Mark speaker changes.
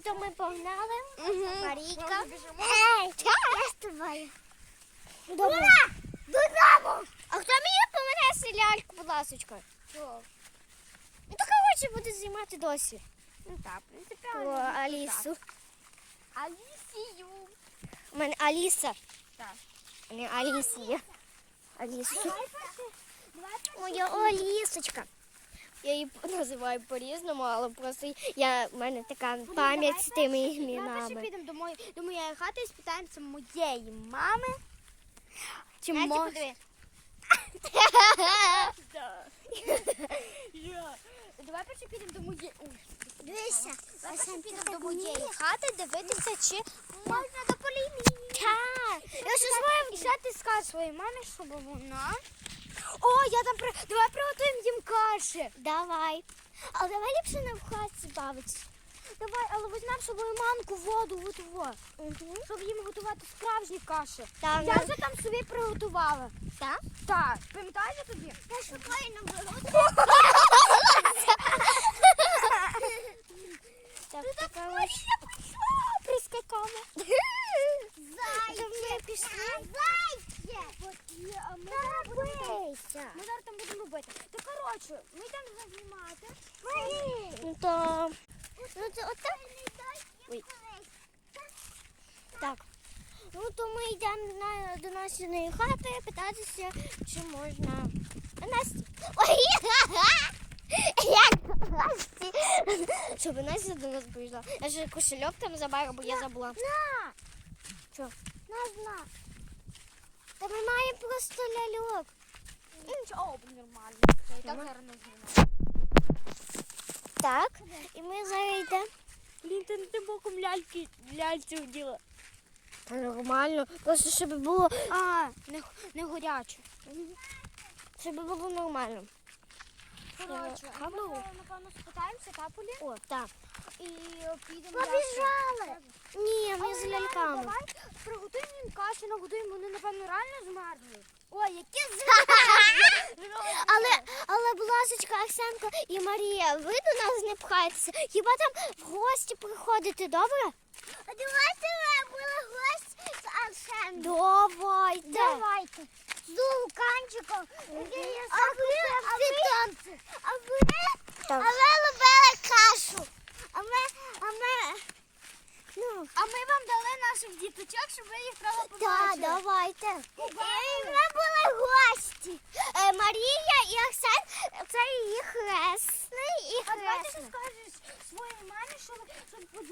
Speaker 1: то ми погнали. Марійка. Я з тобою. Добре. Додому! А хто мені помене ляльку, будь ласочка? Ну, то коротше буде знімати досі.
Speaker 2: Ну так, принципі,
Speaker 1: Про Алісу.
Speaker 2: Алісію.
Speaker 1: У мене Аліса.
Speaker 2: Так.
Speaker 1: А не Алісія. Алісу. Моя Алісочка. Я її називаю по-різному, але просто в мене така пам'ять з тими
Speaker 2: Давай перше
Speaker 1: іменами.
Speaker 2: підемо до моєї хати і спитаємося моєї мами. Чи
Speaker 1: Настя,
Speaker 2: може...
Speaker 1: подиви.
Speaker 2: Давай перше підемо до моєї...
Speaker 1: Дивися.
Speaker 2: Давай перше підемо до моєї хати дивитися, чи можна до полімії.
Speaker 1: Так.
Speaker 2: Я ще і що ти скажеш своїй мамі, щоб вона... О, я там... Давай приготуємо їм каші.
Speaker 1: Давай. Але давай ліпше не в хаті бавитися.
Speaker 2: Давай, але візьмемо з собою манку, воду, готово. Щоб їм готувати справжні каші.
Speaker 1: Так,
Speaker 2: Я вже там собі приготувала.
Speaker 1: Так?
Speaker 2: Так, пам'ятаєте тоді?
Speaker 1: Я шукаю на болоті. Так, така ось прискакала. Ми пішли.
Speaker 2: Ми зараз там будемо робити. Та коротше, ми йдемо знімати.
Speaker 1: Ну то... Ну це отак. Ой. Так. Ну то ми йдемо до нашої хати питатися, чи можна... Насті. Ой! Як Насті? Щоб Настя до нас прийшла. Я ж кошельок там забрала, бо я забула.
Speaker 2: На!
Speaker 1: Що? На. Та ми маємо просто ляльок.
Speaker 2: Нічого, нормально. Я і так зараз не знімаю.
Speaker 1: Так, і ми зараз йдемо.
Speaker 2: Блін, ти не тим боком ляльці вділа.
Speaker 1: Та нормально, просто щоб було,
Speaker 2: Не горяче.
Speaker 1: щоб було нормально.
Speaker 2: Коротше, ми,
Speaker 1: Камеру?
Speaker 2: напевно, спитаємося капулі
Speaker 1: О, так.
Speaker 2: і підемо
Speaker 1: Побіжали! Ні, ми з ляльками.
Speaker 2: Давай приготуємо їм кашу, нагодуємо, вони, напевно, реально змерзли. Ой, які
Speaker 1: Але, будь ласочка, Арсенко і Марія, ви до нас не пхайтеся. Хіба там в гості приходите, добре? А давайте були гості з Арсенком. Давайте. З Луканчиком. А ви любили кашу.
Speaker 2: А ми вам дали наших діточок, щоб ви їх право
Speaker 1: Так,
Speaker 2: побачили.
Speaker 1: давайте. І ми були гості. Марія і Арсен, це її хресний і
Speaker 2: А давайте ти
Speaker 1: хресна.
Speaker 2: скажеш своїй мамі, щоб